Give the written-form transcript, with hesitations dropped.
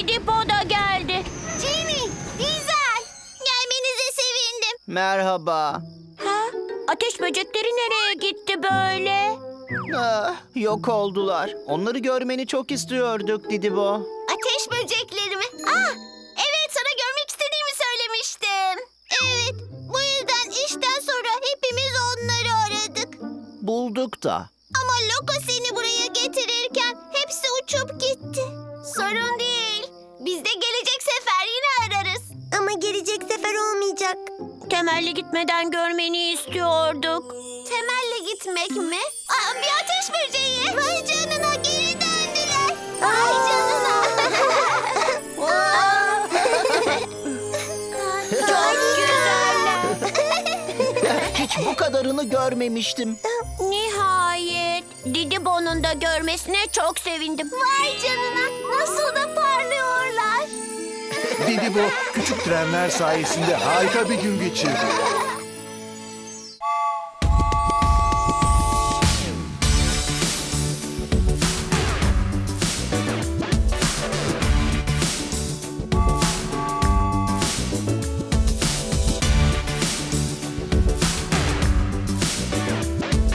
Didibo da geldi. Jenny, güzel. Gelmenize sevindim. Merhaba. Ha? Ateş böcekleri nereye gitti böyle? Yok oldular. Onları görmeni çok istiyorduk Didibo. Ateş böcekleri mi? Evet, sana görmek istediğimi söylemiştim. Evet, bu yüzden işten sonra hepimiz onları aradık. Bulduk da. Ama Loco seni buraya getirirken hepsi uçup gitti. Sorun değil. Biz de gelecek sefer yine ararız. Ama gelecek sefer olmayacak. Temelli gitmeden görmeni istiyorduk. Temelli gitmek mi? Bir ateş böceği. Vay canına, geri döndüler. Vay canına. Çok güzeller. Hiç bu kadarını görmemiştim. Nihayet. Didibo'nun da görmesine çok sevindim. Vay canına, nasıl da parlıyorlar. Didibo küçük trenler sayesinde harika bir gün geçirdi.